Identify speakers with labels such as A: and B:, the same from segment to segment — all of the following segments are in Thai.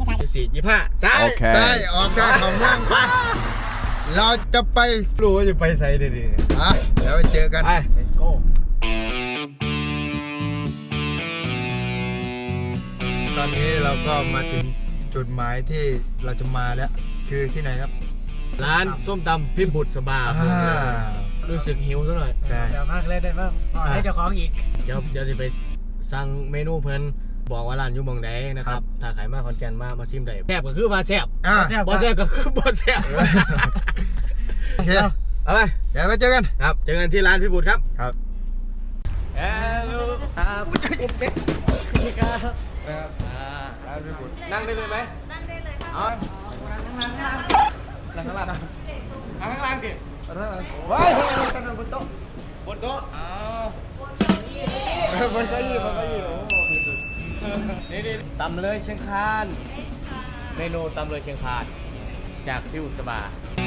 A: 24 25ซ้าย
B: ใช่ออกได้ของเมืองไปเราจะไป
A: รู้ว่าจะไปไซด์ดี
B: อ่ะเดี๋ยวไปเจอกัน
A: ไป
C: let's go
B: ตอนนี้เราก็มาถึงจุดหมายที่เราจะมาแล้ว คือที่ไหนครับ
A: ร้านส้มตำพิบุตรสบา รู้สึกหิวซะหน่อย
B: ใช่
C: เดี๋ยวมากเลยได้ป่ะขอให้เจ้าของอีก
A: เดี๋ยวจะไปสั่งเมนูเพิ่นบอกว่าร้านอยู่หมองใดนะครับ ถ้าใครมาขอนแก่นมาชิมได้แซ่บก็คือว่าแซ่บ
B: อ่ะ
C: แซ่บ
A: บ่แซ่บก็คือบ่แซ่บ
B: โอเค
A: เอาไป
B: เดี๋ยวไปเจอกัน
A: ครับเจอกันที่ร้านพิบุตรครับ
B: ครับ
A: ฮัลโหลครับนี่ครับ
B: ร้านพี่บุตร
A: นั่งได้เลยไหม
D: นั่งได้เลยค่ะ
A: เอา
B: นั่งข้างล่างนะ
A: เอาข้างล่างดิ
B: ว้ายทำไมเราตั้งบนโต๊ะ
A: บนโต๊ะเอา
B: บนเก้าอี้โอ้โห
A: นี่ตำเลยเชียงคานเมนูตำเลยเชียงคานจากพิบุตรสบา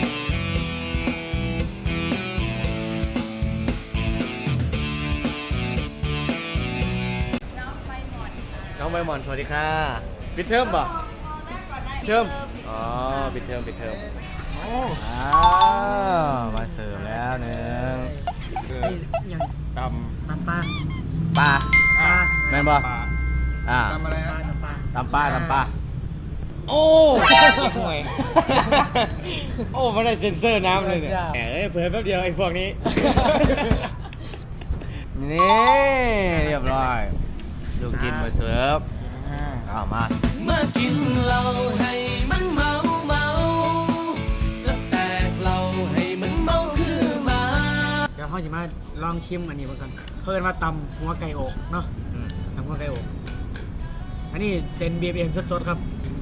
A: น้องใบหมอนสวัสดีค่ะปิดเทอมป่ะ
D: มองหน้าก่อนได้
A: เทอมอ๋อปิดเทอมมาเสิร์ฟแล้วหนึ่ง
C: นี่ยัง
B: ต
C: ตำปลา
A: ปลา
C: ปลา
A: แม่นป่ะอ่า
B: ำอะไร
C: ปลา
B: นะ
C: ตำปลา
A: ตำปลาโอ้ห่วยโอ้ไม่ได้เซ็นเซอร์น้ำเลยเนี่ยแหมเผยแป๊บเดียวไอ้พวกนี้ นี่เรียบร้อยลูกชิ้นมาเสิร์ฟเอามามากินเราให้มันเมาสแต็กเราให้มันเมาคือมา
C: เดี๋ยวเขาจะมาลองชิมอันนี้มาก่อนเพิ่นว่าตำหัวไก่อกเนาะตำหัวไก่อกอันนี้เซน BFM สดๆครับ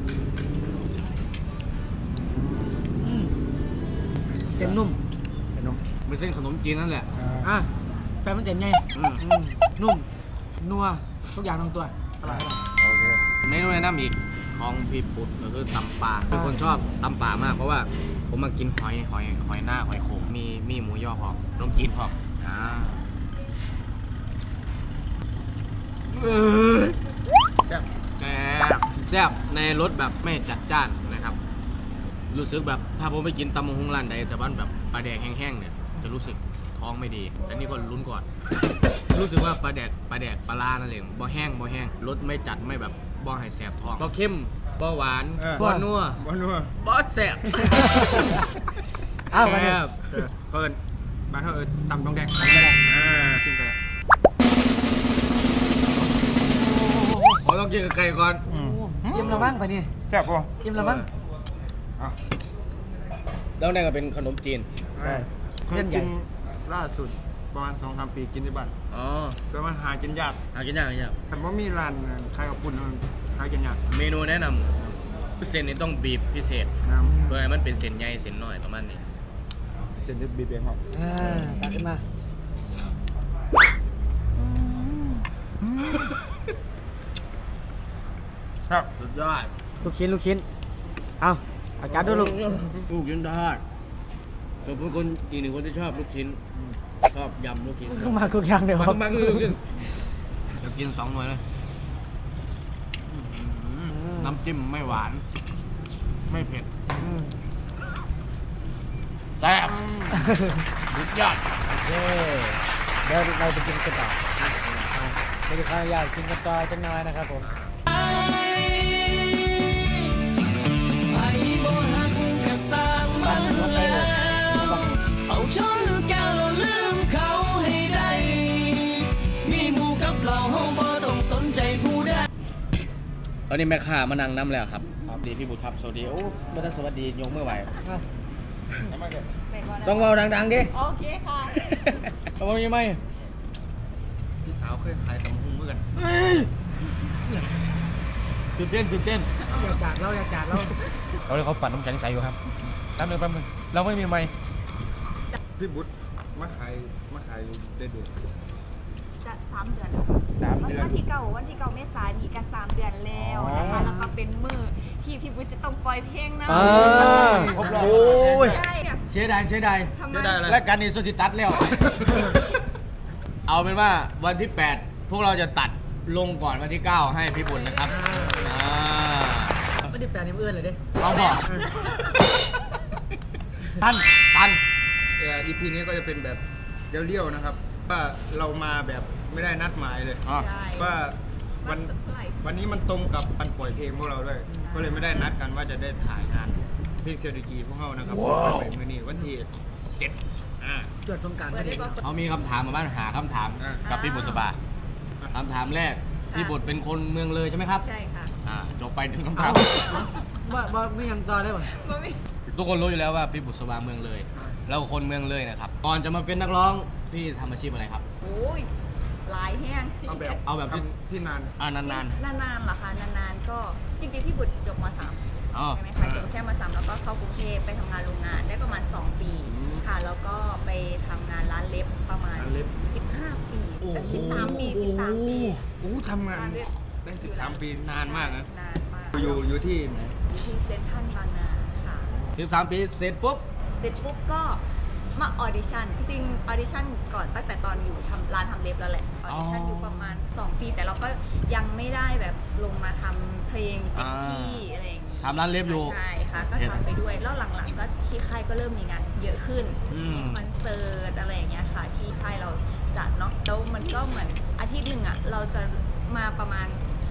C: เส้นนุ่ม
A: เป็นเส้นขนมจีนนั่นแหละ
C: อ่ะแฟนมันเจ๋งไง
A: อืม
C: นุ่ม นัว ทุกอย่างลงตัวอร่อย
B: โอเค
A: เมนูแนะนำอีกของพี่ปุ๊ดก็คือตำปลาเป็นคนชอบตำปลามากเพราะว่าผมมากินหอยหน้าหอยโขงมีหมูย่อพร้อมขนมจีนพร้อมแซ่บในรสแบบไม่จัดจ้านนะครับ รู้สึกแบบถ้าผมไปกินตำมงฮงร้านใดแต่ว่าแบบปลาแดกแห้งๆเนี่ยจะรู้สึกท้องไม่ดีแต่นี่ก็ลุ้นก่อน รู้สึกว่าปลาแดกปลานั่นเองบ่แห้งรสไม่จัดไม่แบบบ่ให้แสบท้องบ่เข้มบ่หวานบ่นัว
B: บอลนัว
A: บ่แสบ
C: อ้าวมาเนี่ย
B: เพิ่นมาเถอะตำต้องแดงชิมกัน
A: ผมต้องกินกับไก่ก่อน
C: ยิ้มละมั้งไปนี่
B: แซ่บป่ะ
C: ยิ้มละมั้ง
A: แล้วนั่นก็เป็นขนมจีน
B: เคยกินล่าสุดประมาณ 2-3 ปีกินที่บ้าน
A: อ๋อ
B: แต่มันหากินยาก
A: หากินยาก
B: แต่ว่ามีร้านขายกับปุ่นหากินยาก
A: เมนูแนะนำเส้นนี้ต้องบีบพิเศษ
B: น้
A: เพื่อให้มันเป็นเส้นใหญ่เส้นน้อยประมาณนี้
B: ำเส้นที่บีบเองครับ
C: ตักขึ้นมา
B: ครับ
A: สุดยอด
C: ลูกชิ้น เอาอากาศดูลูก
A: ลูกชิ้นทอดผมเป็นคนอีกหนึ่งคนที่ชอบลูกชิ้น ชอบยำลูกชิ้น
C: ก็มาทุกอย่างเลยครับ
A: มาคือลูกชิ้นเดี๋ยวกิน2 หน่วยเลยน้ำจิ้มไม่หวาน ไม่เผ็ดแซ่บสุดยอด
C: เย้เดี๋ยวเราไปกินกันต่อเดี๋ยวขออนุญาตกินกันต่อจังน้อยนะครับผม
E: เอาช้อนแก้วเราลืมเขาให้ได้มีหมู่กับเราเฮาบ่ต้องสนใจผู้ใด
A: ตอนนี้แม่ค้ามานั่งน้ำแล้วครับครับดีพี่บุตรครับสวัสดีโอ้ไม่ต้องสวัสดียกมือไหวต้องเบาดังๆดิ
D: โอเคค่ะ
A: เอาไม่ไหม
B: พี่สาวเคยขายตำหุ้งเมื่อกัน
A: ตื่นเต้น
C: อยากจากเรา
A: เขาเลยเขาปั่นน้ำแข็งใสอยู่ครับแป๊บนึงเราไม่มีไม้
B: พี่บุตรมาขายได้เดือน
D: จะ3 เดือนแล้วค่ะ
B: 3 เดือน
D: วันที่เก่าเมษายนนี่ก็3 เดือนแล้วนะคะ แล้วก็เป็นมือที่พี่บุ๊ชจะต้องปล่อยเพลงนะ
A: ครบรอบ
D: ใช่เนี่ย
A: เสียดาย
D: ทำไม
B: เสียดายอะไร
A: และการนี้โซจิตัดแล้ว เอาเป็นว่าวันที่ 8 พวกเราจะตัดลงก่อนวันที่ 9 ให้พี่บุญนะครับ
C: ไม่ได้แปลนิ้วเอื้อนเลยดิ
A: เอาบอกทัน
B: อีพีนี้ก็จะเป็นแบบเลี้ยวๆนะครับว่าเรามาแบบไม่ได้นัดหมายเลย
A: อ๋อ
D: ใช่
B: ว่าวัน
D: มาเซอร์ไพรส์
B: วันนี้มันตรงกับวันปล่อยเพลงพวกเราด้วย ก็เลยไม่ได้นัดกันว่าจะได้ถ่ายงานเพลงเซลดิกีพวกเรานะครับไปมื้อนี้วันที่7
C: จวดสงกราร
D: เปิดได้บอก
A: เขามีคำถามมาบ้านหาคำถามกับพี่บุตรสบาคำถามแรก พี่บุตรเป็นคนเมืองเลยใช่ไหมครับ
D: ใช่ค่ะ
A: จบไปหนึ่งคำ
C: เอา
A: ถาม
C: ว่าไม่ยังต่อได้ป่ะ
D: บ่มี
A: ทุกคนรู้อยู่แล้วว่าพี่บุตรสบาเมืองเลยเราคนเมืองเลยนะครับ ก่อนจะมาเป็นนักร้องพี่ทำอาชีพอะไรครับ
D: โอ้ยหลายแห้ง
B: เอาแบบที่นาน
A: นาน
D: นานๆเหรอคะนานๆก็จริงๆพี่บุตรจบม.3
A: ๆอ๋อ
D: ใช่ไหมคะจบแค่ม.3แล้วก็เข้ากรุงเทพไปทำงานโรงงานได้ประมาณ2 ปีค่ะแล้วก็ไปทำงานร้านเล็บประมาณ
B: ร้านเล็บ
D: 15 ปี13 ปี13 ปี
B: โอ้ทำงาน
D: ร้านเล็บ
B: ได้13 ปีนานมากนะ
D: นานมาก
B: อยู่ที่ไหน
D: อยู่ที่เซ็นทรัลบางนาค่ะ
A: 13 ปีเสร็จปุ๊บ
D: เสร็จปุ๊บก็มาออดิชั่นจริงๆออดิชั่นก่อนตั้งแต่ตอนอยู่ร้านทำเล็บแล้วแหละออดิชั่นอยู่ประมาณ2 ปีแต่เราก็ยังไม่ได้แบบลงมาทำเพลงเต็มที่อะไรอย่างนี้
A: ทำร้านเล็บอยู่
D: ใช่ค่ะก็ทำไปด้วยแล้วหลังๆก็ที่ค่ายก็เริ่มมีงานเยอะขึ้น คอนเสิร์ตอะไรอย่างเงี้ยค่ะที่ค่ายเราจัดเนาะแล้วมันก็เหมือนอาทิตย์หนึ่งอ่ะเราจะมาประมาณ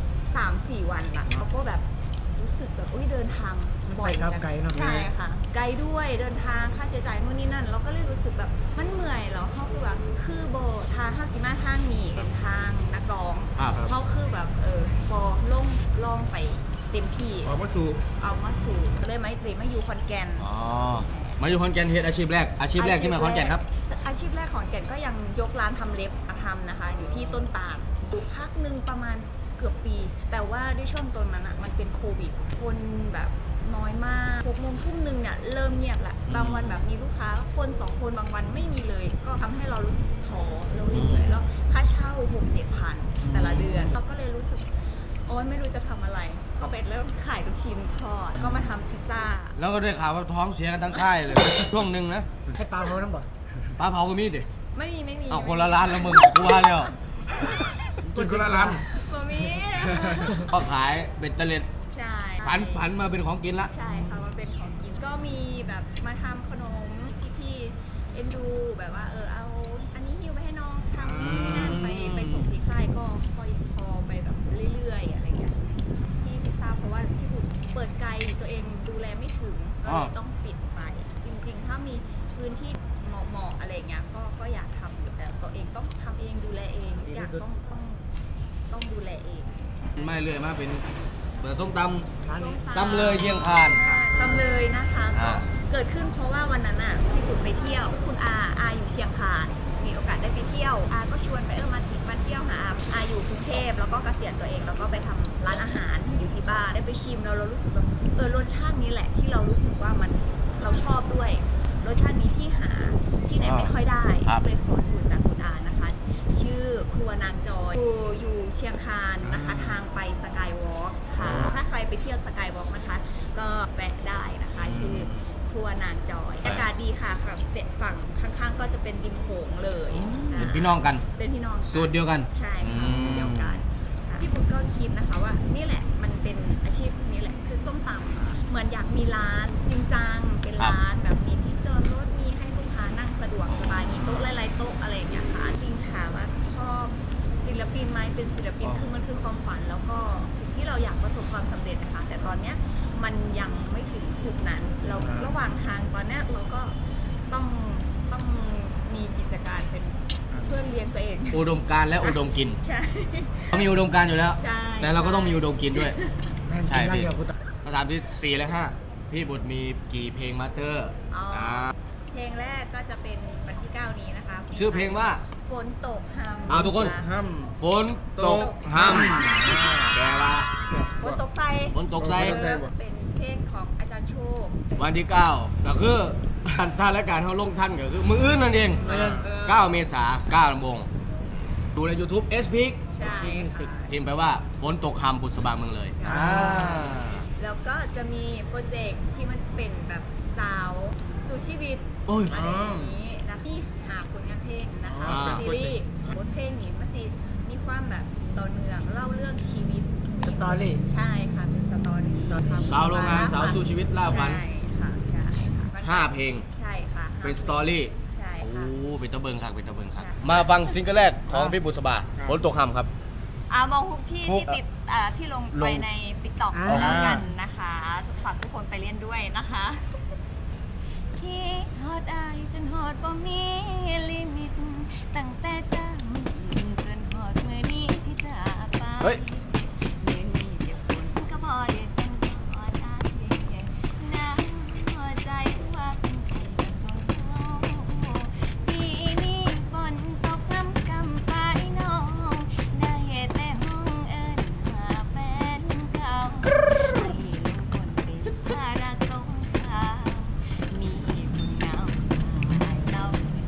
D: 3-4 วันอะเราก็แบบรู้สึกแบบเดินทางบ่อย
C: ไปครับไกลเนอะ
D: ใช่ค่ะ ไกลด้วยเดินทางค่าใช้จ่ายนู่นนี่นั่น เราก็เลยรู้สึกแบบมันเมื่อยแล้วเขาคือแบบคือโบทางห้าสิมาทางนี้เป็นทางนักร้อง
A: ครับ
D: เขาคือแบบพอลงไปเต็มที่
B: ออกมาสู่
D: เอามาสู่เลยไหมหรือมาอยู่คอนแกน
A: อ๋อมาอยู่ขอนแก่นเฮ็ดอาชีพแรกที่มาขอนแก่นครับ
D: อาชีพแรกของแก่นก็ยังยกร้านทำเล็บมาทำนะคะ อยู่ที่ต้นตาลอยู่พักหนึ่งประมาณเกือบปี แต่ว่าด้วยช่วงตอนนั้นอ่ะมันเป็นโควิด คนแบบน้อยมาก6 โมงทุ่มนึงเนี่ยเริ่มเงียบละบางวันแบบมีลูกค้าคน2 คนบางวันไม่มีเลย ก็ทำให้เรารู้สึกท้อเราเหนื่อยแล้วค่าเช่า 6-7 พันแต่ละเดือนเราก็เลยรู้สึกโอ๊ยไม่รู้จะทำอะไรก็ไปเริ่มขายลูกชิ้นทอดก็มาทำพิซซ่า
A: แล้วก็ได้ข่าวว่าท้องเสียกันทั้งค่ายเลย ช่วงหนึ่งนะ
C: ให้ปลาเขาน้ำบ่
A: ปลาเผาก็มีดิ
D: ไม่มี
A: เอาคนละร้านแล้วมึงกูว่าแล้ว
B: กินคนละร้าน
D: บ่มี
A: ก็ขายเบ็ดเตล็ด
D: ใช่
A: ผันมาเป็นของกินละ
D: ใช่ค่ะมันเป็นของกินก็มีแบบมาทำขนมพี่เอ็นดูแบบว่าเอาอันนี้ฮิวไปให้น้องทำนั่นไปส่งที่ค่ายก็พอไปแบบเรื่อยๆอะไรเงี้ยที่พิซซ่าเพราะว่าที่ถูกเปิดไกลตัวเองดูแลไม่ถึงก็เลยต้องปิดไป จริงๆ ถ้ามีพื้นที่เหมาะๆอะไรเงี้ยก็อยากทำอยู่แต่ตัวเองต้องทำเองดูแลเองทุกอย่างต้องดูแลเอง
A: ไม่เลยมาเป็นเปิดส้มต
C: ร้านนี้
A: ตำเลยเยี่ยงคาน
D: ตำเลยนะคะก็
A: อ่า
D: เกิดขึ้นเพราะว่าวันนั้นอ่ะพี่กุ่นไปเที่ยวคุณอาอยู่เชียงคานมีโอกาสได้ไปเที่ยวอาก็ชวนไปมาเที่ยวหาอาอยู่กรุงเทพแล้วก็เกษียณตัวเองแล้วก็ไปทำร้านอาหารอยู่ที่บ้านได้ไปชิมแล้วเรารู้สึกแบบรสชาตินี้แหละที่เรารู้สึกว่ามันเราชอบด้วยรสชาตินี้ที่หาที่ไหนไม่ค่อยได้เลยขอสูตรจากคุณอานะคะ ชื่อครัวนางจอยอยู่เชียงคานนะคะทางไปสกายวอล์กค่ะถ้าใครไปเที่ยวสกายวอล์กนะคะก็แวะได้นะคะชื่อครัวนางจอยอากาศดีค่ะค่ะฝั่งข้างๆก็จะเป็นริมโขงเลย
A: เป็นพี่น้องกัน
D: เป็นพี่น้อง
A: สูตรเดียวกัน
D: ใช่ค่ะสูตรเดียวกันค่ะพี่บุ๊กก็คิดนะคะว่านี่แหละมันเป็นอาชีพนี้แหละคือส้มตำเหมือนอยากมีร้านจริงจังเป็นร้านแบบมีที่จอดรถมีเลี้ยงตัวเอง
A: อุดมการณ์และอุดมกิน
D: ใช่
A: เขามีอุดมการณ์อยู่แล้ว
D: ใช่
A: แต่เราก็ต้องมีอุดมกินด้วย
C: แม่ง
A: ใช่
C: กิน
A: พี่
C: เดียวกูตาย
A: คำถามที่ 4 และ 5 พี่บุตรมีกี่เพลงมาสเตอร์
D: อ๋ออา เพลงแรกก็จะเป็นวันที่ 9 นี้นะคะ
A: ชื่อเพลงว่า
D: ฝนตกห้ำ
A: เอาทุกคน
B: ห้
A: ฝนตกห้ำแปลว่า
D: ฝนตกใส่
A: ฝนตกใส่
D: เป็นเพลงของอาจารย์โชค
A: วันที่ 9 ก็คือท่านและการเขาลงท่านก็คือมืออื่นนั่นเอง 9 เมษายน 9 ลำวงดูใน YouTube S Peak
D: ใช่ค่ะ
A: พิมพ์ไปว่าฝนตกคำบุษบาเมืองเลย
D: แล้วก็จะมีโปรเจกต์ที่มันเป็นแบบสาวสู่ชีวิต
A: โอ้ย
D: อะไรอย่างนี้นะที่หาผลงานเพลงนะคะ
A: อ่า
D: ซีรีส์บทเพลงนี้มันสิมีความแบบต่อเนื่องเล่าเรื่องชีวิต
C: สตอรี่
D: ใช่ค่ะเป็นสตอรี่
A: สาวโรงงานสาวสู้ชีวิตล่าฝัน
D: ใช่ค่ะใช่ค่ะ
A: 5 เพลง
D: ใช่ค่ะ
A: เป็นสตอรี่
D: ใช่
A: โอ้
D: ค่ะ
A: เป็นตะเบิงครับเป็นตะเบิงครับ
D: ใช่
A: มาฟังซิงเกิลแรกของพี่บุษบาฝนตกคำครับ
D: มองฮุกที่ติดที่ลงไปใน TikTok
C: อ่า
D: แล้วกันนะคะฝากทุกคนไปเล่นด้วยนะคะที่ฮอดอายจนฮอดบ่มีลิมิตตั้งแต่ตามอินจนฮอดมื้อนี้ที่จากไป
A: เฮ้ย
D: มื้อนี้เก็บฝนก็พอได้จังฮอดอายน้ำหัวใจว่าเป็นใครก็สงเศร้าปีนี้ฝนตกน้ำกำปายน้อง ได้แต่ห้องเอิ้นหาแฟนเก่าให้ลงคนเป็นภาระสงครามมีคนเหงาขายเต้า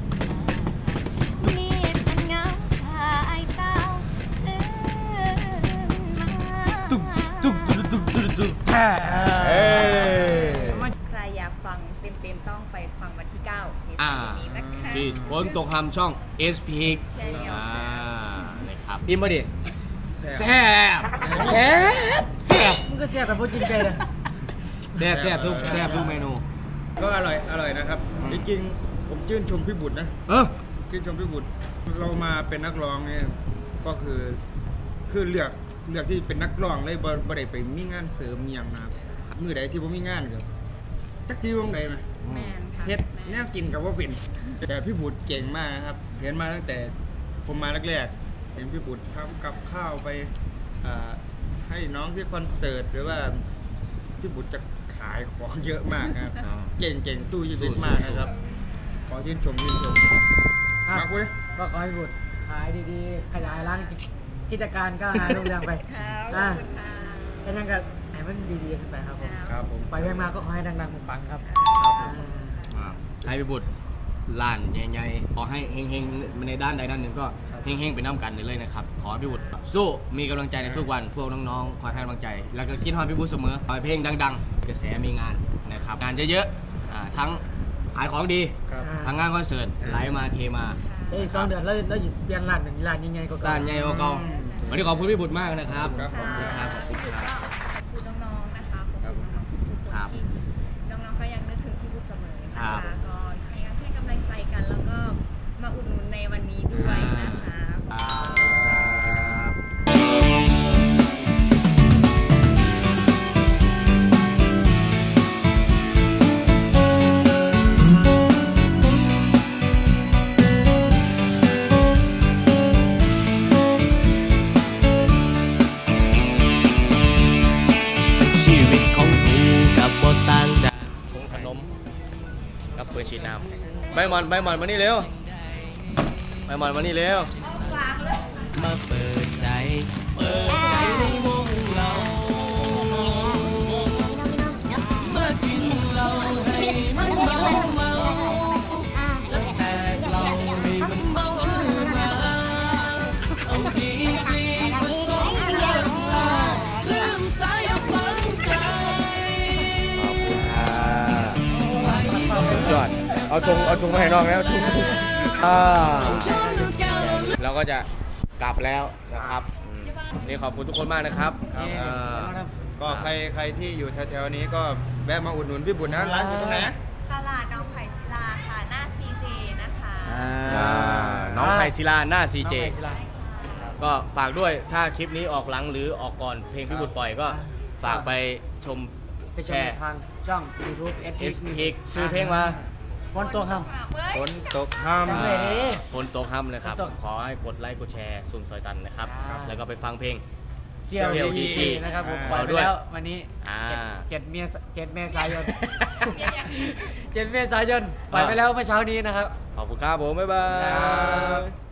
D: มีคนเหงาขายเต้าเอิ้นมา ใครอยากฟังเต็มๆต้องไปฟังวันที่ 9 ใน
A: อ่า
D: นี้นะคะ
A: ที่ฝนตกคำช่อง S Peak
D: ใช่แล้ว
A: นะครับอิมบดิ
B: ำ
A: แซ่บแซ่บแซ่บ
C: มึงก็เสียแต่พวกกินใจเลย
A: แซ่บแซ่บทุกเมนู
B: ก็อร่อยนะครับ
A: อืม
B: จริงๆผมชื่นชมพี่บุตรนะ
A: เออ
B: ชื่นชมพี่บุตรเรามาเป็นนักร้องเนี่ยก็คือเลือกที่เป็นนักร้องเลยบ่ได้ไปมีงานเสริมอหย่างนะครับมือใดที่ผมมีงานก็จักที่วงใดไหม
D: แมนค่ะ
B: เฮ็ดแนวกินกับว่าเป็นแต่พี่บุตรเก่งมากนะครับ เห็นมาตั้งแต่ผมมาแรกๆเห็นพี่บุตรทำกับข้าวไปให้น้องที่คอนเสิร์ตหรือว่าพี่บุตรจะขายของเยอะมากนะครับ
A: อ๋อ
B: เก่งสู้ชีวิตมากนะครับ ขอชื่นชมมากเว้ย
C: ก็ขอให้บุตรขายดีๆ ขยายร้านกิจการก้าวหน้ารุ่งเรืองไป
D: ครับข
C: อ่า
D: อบคุณค่ะ
C: แค่นั้นก็ให้มันดีๆขึ้นไปครับผม
B: ครับผม
C: ไปมาก็ขอให้ดังๆปังๆครับ
A: ให้พี่บุตรล้านใหญ่ๆขอให้เฮงๆในด้านใดด้านหนึ่งก็เฮงๆไปน้ำกันเลยนะครับ ขอให้พี่บุตรสู้มีกำลังใจในทุกวันพวกน้องๆคอยให้กำลังใจ แล้วก็คิดฮอดพี่บุตรเสมอขอให้เพลงดังๆกระแสมีงานนะครับงานเยอะๆทั้งขายของดี
B: ครับ
A: ทั้งงานคอนเสิร์ตไหลมาเทมา
C: เอ้ย2 เดือนแล้วหยุดเปลี่ยนร้านหนึ่งร้านยังไงก็
A: ด้านใหญ่กว่าเก่าวันนี้ขอบคุณพี่บุตรมากนะครับ
B: ครับ
A: ขอบคุณครับขอบคุณครับ
D: ก็ขอบคุณน้องๆนะคะขอบคุณน้องๆทุกคน
A: ครับ
D: ที่น้องๆก็ยังนึกถึงพี่บุญเสมอนะ
A: ครั
D: คะ
A: บ
D: ก็ให้กำลังใจกันแล้วก็มาอุดหนุนในวันนี้ด้วยนะคะ
A: ครับ
E: ชีวิตของกูกับบทต่างจาก
A: ผงขนมกับเปิดฉีดน้ำใบหมอนมานี่เร็วใบหมอนมานี่เร็ว
E: มาเปิดใจในวงเรามากินเหล้าให้มันเมาสักแตกเหล้าให้มันเมามาเอาดีผสมกันมาลืมสายฝันใจ
A: ยอดเอาถุงมาให้น้องแล้วถุงเราก็จะกลับแล้วนะครับนี่ขอบคุณทุกคนมากนะครับ
B: ก็ใครที่อยู่แถวๆนี้ก็แวะมาอุดหนุนพี่บุตรนะร้านอยู่ตรงไหน
D: ตลาดน้องไผ่ศิลาค่ะหน้า CJ นะคะ
A: น้องไพศิลาหน้า CJ
C: น้องไผ่ศิลา
A: ก็ฝากด้วยถ้าคลิปนี้ออกหลังหรือออกก่อนเพลงพี่บุตรปล่อยก็ฝากไปชม
C: ไปช
A: แช
C: ม
A: ร์
C: ทางช่อง YouTube
A: S Peak ชื่อเพลงว่า
C: ฝนตกครับ
B: ฝนตกค่ำ
C: จังเลยดิ
A: ฝนตกค่ำนะครับ
C: ฝนตก
A: ขอให้กดไลค์กดแชร์ซุนซอยตันนะครับ
C: ครับ
A: แล้วก็ไปฟังเพลง
C: เสี่ยว
A: เสี่ยว
C: ดี
A: ดี
C: นะครับผม
A: อ่า
C: ปล่อยไป
A: ด้วย
C: แล้ววันนี้
A: อ่า
C: 7 เมษายน 7 เมษายนปล่อยไปแล้วเมื่อเช้านี้นะครับ
A: ขอบคุณครับผม บ๊ายบา
C: ครั
A: ย
C: บ